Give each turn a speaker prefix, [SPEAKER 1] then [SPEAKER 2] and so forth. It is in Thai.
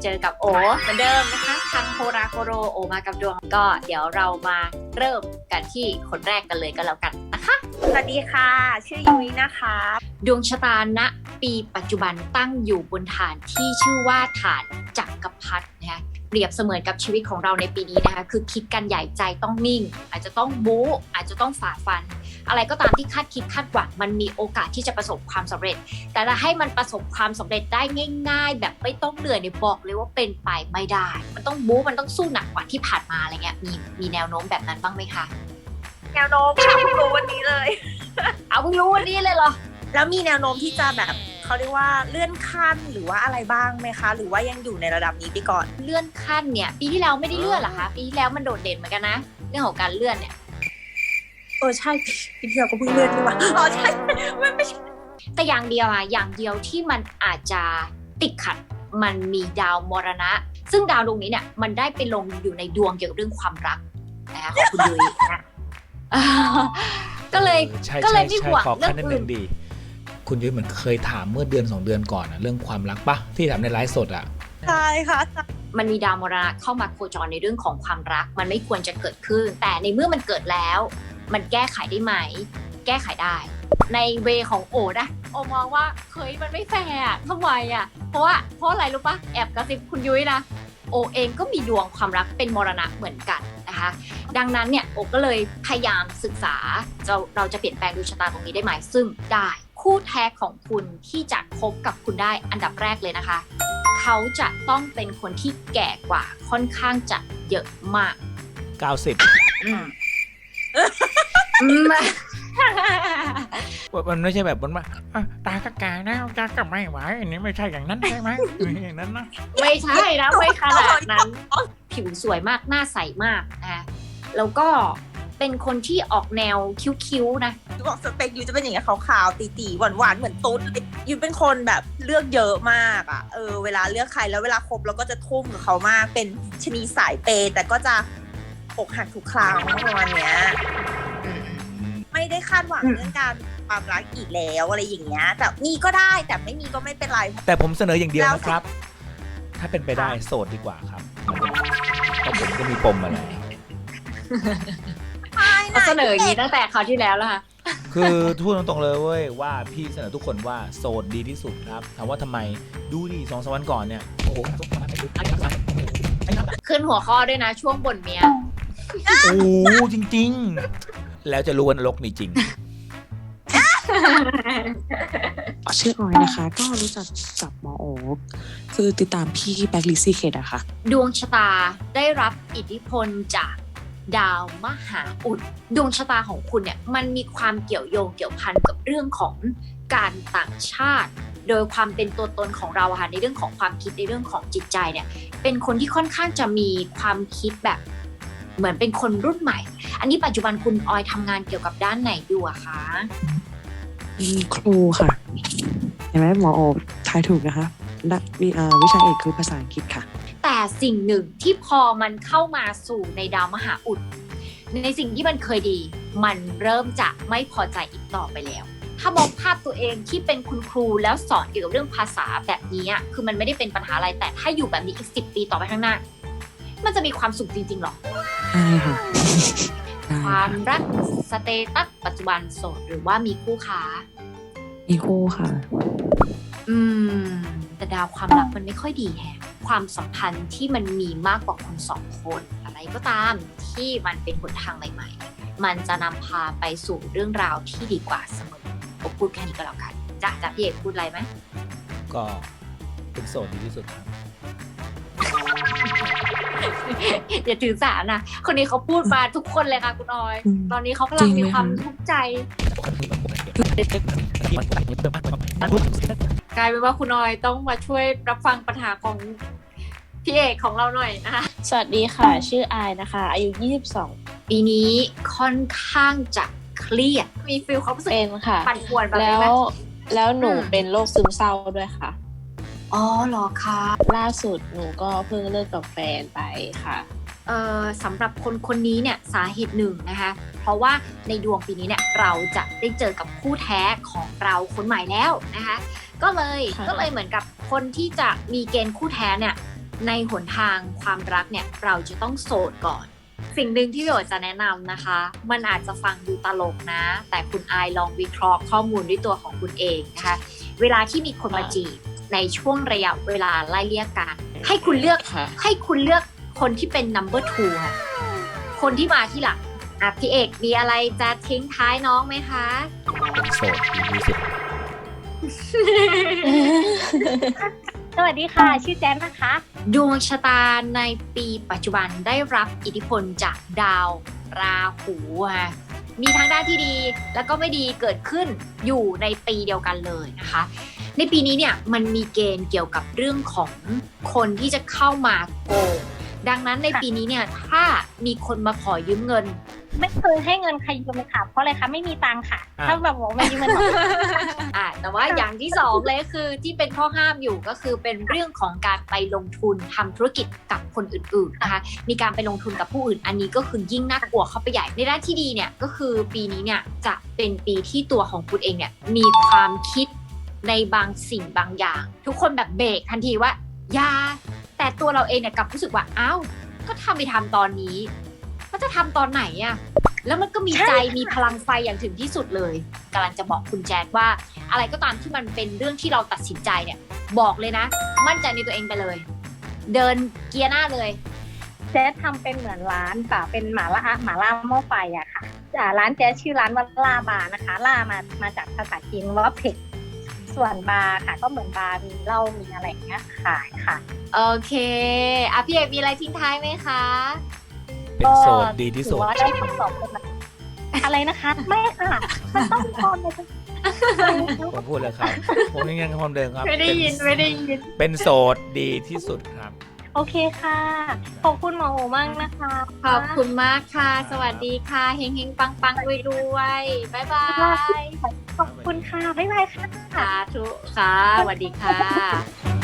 [SPEAKER 1] เจอกับโอเหมือนเดิมนะคะทางโฮราโกโรโอมากับดวงก็เดี๋ยวเรามาเริ่มกันที่คนแรกกันเลยก็แล้วกันนะคะ
[SPEAKER 2] สวัสดีค่ะชื่อยุ้ยนะคะ
[SPEAKER 1] ดวงชะตาณปีปัจจุบันตั้งอยู่บนฐานที่ชื่อว่าฐานจักรพรรดินะคะเปรียบเสมือนกับชีวิตของเราในปีนี้นะคะคือคิดกันใหญ่ใจต้องนิ่งอาจจะต้องบู๊อาจจะต้องฝ่าฟันอะไรก็ตามที่คาดคิดคาดหวังมันมีโอกาสที่จะประสบความสำเร็จแต่ถ้าให้มันประสบความสำเร็จได้ง่ายๆแบบไม่ต้องเหนื่อยเนี่ยบอกเลยว่าเป็นไปไม่ได้มันต้องบู๊มันต้องสู้หนักกว่าที่ผ่านมาอะไรเงี้ยมีแนวโน้มแบบนั้นบ้างไหมคะ
[SPEAKER 2] แนวโน้มค่ะเพิ่งรู้วันนี้เลย
[SPEAKER 1] เอาเพิ่งรู้วันนี้เลยเหรอ
[SPEAKER 2] แล้วมีแนวโน้มที่จะแบบเขาเรียกว่าเลื่อนขั้นหรือว่าอะไรบ้างไหมคะหรือว่ายังอยู่ในระดับนี้ไปก่อน
[SPEAKER 1] เลื่อนขั้นเนี่ยปีที่แล้วไม่ได้เลื่อนหรอคะปีที่แล้วมันโดดเด่นเหมือนกันนะเรื่องของการเลื่อนเนี่ย
[SPEAKER 2] ใช่พี่เที่ยวก็เพิ่งเลื่อนนี่หว่าใช่ไม่ใช่
[SPEAKER 1] แต่อย่างเดียวที่มันอาจจะติดขัดมันมีดาวมรณะซึ่งดาวดวงนี้เนี่ยมันได้ไปลงอยู่ในดวงเกี่ยวกับเรื่องความรักนะคะของคุณยุ้ยนะก็เลยไม่ห่วงเรื่องอื่น
[SPEAKER 3] ดีคุณยุ้ยเหมือนเคยถามเมื่อเดือน2 เดือนก่อนเรื่องความรักปะที่ถามในไลฟ์สด
[SPEAKER 2] ใช่ค่ะ
[SPEAKER 1] มันมีดาวมรณะเข้ามาโคจรในเรื่องของความรักมันไม่ควรจะเกิดขึ้นแต่ในเมื่อมันเกิดแล้วมันแก้ไขได้ไหมแก้ไขได้ในเวของโอนะโอมองว่าเฮ้ยมันไม่แฟร์ทำไมเพราะอะไรรู้ปะแอบกระซิบคุณยุ้ยนะโอเองก็มีดวงความรักเป็นมรณะเหมือนกันนะคะดังนั้นเนี่ยโอก็เลยพยายามศึกษาเราจะเปลี่ยนแปลงดวงชะตาตรงนี้ได้ไหมซึ่งได้คู่แท้ของคุณที่จะคบกับคุณได้อันดับแรกเลยนะคะเขาจะต้องเป็นคนที่แก่กว่าค่อนข้างจะเยอะมาก
[SPEAKER 3] มันไม่ใช่แบบว่าตากระกานะตากระไม่ไหวอันนี้ไม่ใช่อย่างนั้นใช่ไหมอย่างนั้นนะ
[SPEAKER 1] ไม่ใช่นะไม่ขนาดนั้นผิวสวยมากหน้าใสมากนะแล้วก็เป็นคนที่ออกแนวคิ้วๆนะ
[SPEAKER 2] บอกสเปคยูจะเป็นอย่างเงี้ยขาวๆตีๆหวานๆเหมือนตุ๊ดยูเป็นคนแบบเลือกเยอะมากเวลาเลือกใครแล้วเวลาคบเราก็จะทุ่มกับเขามากเป็นชนีสายเปย์แต่ก็จะอกหักทุกครั้งประมาณเนี้ยไม่ได้คาดหวังเรื่องการความรักอีกแล้วอะไรอย่างเงี้ยแต่มีก็ได้แต่ไม่มีก็ไม่เป็นไร
[SPEAKER 3] แต่ผมเสนออย่างเดียวนะครับถ้าเป็นไปได้โสดดีกว่าครับเพราะผมก็มีปมอะไร
[SPEAKER 1] เขาเสนออย่างนี้ตั้งแต่คราวที่แล้วแล้วค่ะ
[SPEAKER 3] คือพูดตรงๆเลยเว้ยว่าพี่เสนอทุกคนว่าโสดดีที่สุดครับถามว่าทำไมดูดิ2-3 วันก่อนเนี่ยโอ้โห
[SPEAKER 1] ขึ้นหัวข้อด้วยนะช่วงบ่นเมีย
[SPEAKER 3] โอ้จริงๆแล้วจะรู้ว่านรกมีจริง
[SPEAKER 4] ชื่อออยนะคะก็รู้จักกับหมอโอ๊คคือติดตามพี่แบ็คลิซซี่เคทอะค่ะ
[SPEAKER 1] ดวงชะตาได้รับอิทธิพลจากดาวมหาอุดดวงชะตาของคุณเนี่ยมันมีความเกี่ยวโยงเกี่ยวพันกับเรื่องของการต่างชาติโดยความเป็นตัวตนของเราในเรื่องของความคิดในเรื่องของจิตใจเนี่ยเป็นคนที่ค่อนข้างจะมีความคิดแบบเหมือนเป็นคนรุ่นใหม่อันนี้ปัจจุบันคุณออยทำงานเกี่ยวกับด้านไหนอยู่คะ
[SPEAKER 4] ครูค่ะเห็นไหมหมอโอ๊คทายถูกนะคะวิชาเอกคือภาษาอังกฤษค่ะ
[SPEAKER 1] แต่สิ่งหนึ่งที่พอมันเข้ามาสู่ในดาวมหาอุดในสิ่งที่มันเคยดีมันเริ่มจะไม่พอใจอีกต่อไปแล้วถ้ามองภาพตัวเองที่เป็นคุณครูแล้วสอนเกี่ยวกับเรื่องภาษาแบบนี้คือมันไม่ได้เป็นปัญหาอะไรแต่ถ้าอยู่แบบนี้อีก10 ปีต่อไปข้างหน้ามันจะมีความสุขจริงๆหรอ
[SPEAKER 4] ใช่ค่ะ
[SPEAKER 1] ความรักสเตตัสปัจจุบันโสดหรือว่ามีคู่ค้า
[SPEAKER 4] มีคู่ค่ะ
[SPEAKER 1] แต่ดาวความรักมันไม่ค่อยดีความสัมพันธ์ที่มันมีมากกว่าคน2 คนอะไรก็ตามที่มันเป็นหนทางใหม่ๆมันจะนำพาไปสู่เรื่องราวที่ดีกว่าเสมอผมพูดแค่นี้ก็แล้วกันจ้ะพี่เอกพูดอะไรไหม
[SPEAKER 3] ก็เป็นโสดดีที่สุดครับ
[SPEAKER 1] อย่าถือสานะคนนี้เขาพูดมาทุกคนเลยค่ะคุณออยตอนนี้เขากำลังมีความทุกข์ใจกลายเป็นว่าคุณออยต้องมาช่วยรับฟังปัญหาของพี่เอกของเราหน่อยนะคะ
[SPEAKER 5] สวัสดีค่ะชื่ออายนะคะอายุ22
[SPEAKER 1] ปีนี้ค่อนข้างจะเครียดมีฟีลความรู้สึก
[SPEAKER 5] เป็นค่ะ
[SPEAKER 1] ปั่นป่วนแบบนี้ไหม
[SPEAKER 5] แล้วหนูเป็นโรคซึมเศร้าด้วยค่ะ
[SPEAKER 1] อ๋อเหรอคะ
[SPEAKER 5] ล่าสุดหนูก็เพิ่งเลิกกับแฟนไปค่ะ
[SPEAKER 1] สำหรับคนนี้เนี่ยสาเหตุหนึ่งนะคะเพราะว่าในดวงปีนี้เนี่ยเราจะได้เจอกับคู่แท้ของเราคนใหม่แล้วนะคะก็เลยเหมือนกับคนที่จะมีเกณฑ์คู่แท้เนี่ยในหนทางความรักเนี่ยเราจะต้องโสดก่อน สิ่งหนึ่งที่พี่โอจะแนะนำนะคะ มันอาจจะฟังดูตลกนะ แต่คุณอายลองวิเคราะห์ข้อมูลด้วยตัวของคุณเองนะคะ เวลาที่มีคนมาจีบในช่วงระยะเวลาไล่เลี่ยกัน ให้คุณเลือก
[SPEAKER 5] ค่ะ
[SPEAKER 1] ให้คุณเลือกคนที่เป็น number two ค่ะ คนที่มาที่หลังอ่ะพี่เอกมีอะไรจะทิ้งท้ายน้องไหมคะ
[SPEAKER 3] เป็นโสดดีที่สุด
[SPEAKER 6] สวัสดีค่ะ ชื่อแจ๊นนะคะ
[SPEAKER 1] ดวงชะตาในปีปัจจุบันได้รับอิทธิพลจากดาวราหูค่ะมีทั้งด้านที่ดีแล้วก็ไม่ดีเกิดขึ้นอยู่ในปีเดียวกันเลยนะคะ ในปีนี้เนี่ยมันมีเกณฑ์เกี่ยวกับเรื่องของคนที่จะเข้ามาโกงดังนั้นในปีนี้เนี่ยถ้ามีคนมาขอยืมเงิน
[SPEAKER 6] ไม่เคยให้เงินใครยืมเลยค่ะ เพราะอะไรคะ ไม่มีตังค์ค่ะ
[SPEAKER 3] อ่า
[SPEAKER 6] ถ้าแบบบอกไม่ยืมเงินหรอก
[SPEAKER 1] แต่ว่าอย่างที่สองเลยคือที่เป็นข้อห้ามอยู่ก็คือเป็นเรื่องของการไปลงทุนทำธุรกิจกับคนอื่นๆนะคะมีการไปลงทุนกับผู้อื่นอันนี้ก็คือยิ่งน่ากลัวเข้าไปใหญ่ในด้านที่ดีเนี่ยก็คือปีนี้เนี่ยจะเป็นปีที่ตัวของคุณเองเนี่ยมีความคิดในบางสิ่งบางอย่าง ทุกคนแบบเบรกทันทีว่าอย่าแต่ตัวเราเองเนี่ยกลับรู้สึกว่าอ้าวก็ทำไปทำตอนนี้ก็จะทำตอนไหนอะแล้วมันก็มีใจมีพลังไฟอย่างถึงที่สุดเลยกำลังจะบอกคุณแจ๊ดว่าอะไรก็ตามที่มันเป็นเรื่องที่เราตัดสินใจเนี่ยบอกเลยนะ มั่นใจในตัวเองไปเลย เดินเกียร์หน้าเลย
[SPEAKER 6] แจ๊สทำเป็นเหมือนร้านค่ะ เป็นหมาล่าหม้อไฟอะค่ะร้านแจ๊สชื่อร้านว่าล่าบาร์นะคะ ล่ามาจากภาษาจีนว่าเผ็ด ส่วนบาร์ค่ะ ก็เหมือนบาร์มีเหล้ามีอะไรอย่างเงี้ยขายค่ะ
[SPEAKER 1] โอเคอ่ะพี่เอกมีอะไรทิ้งท้ายไหมคะ
[SPEAKER 3] เป็นโสดดีที่สุด
[SPEAKER 6] ถือว่าได้คำตอบเป็นอะไรนะคะ ไม่ค่ะ มันต้องมีคนเลย
[SPEAKER 3] ผมพูดเลยครับ ผมยังคำเดิมครับ
[SPEAKER 1] ไม่ได้ยิน
[SPEAKER 3] เป็นโสดดีที่สุดครับ
[SPEAKER 6] โอเคค่ะ ขอบคุณหมอโอมากนะคะ
[SPEAKER 1] ขอบคุณมากค่ะ สวัสดีค่ะเฮงเฮงปังปังรวยรวยบ๊ายบาย
[SPEAKER 6] ขอบคุณค่ะ บ๊ายบายค่ะ
[SPEAKER 1] สาธุค่ะสวัสดีค่ะ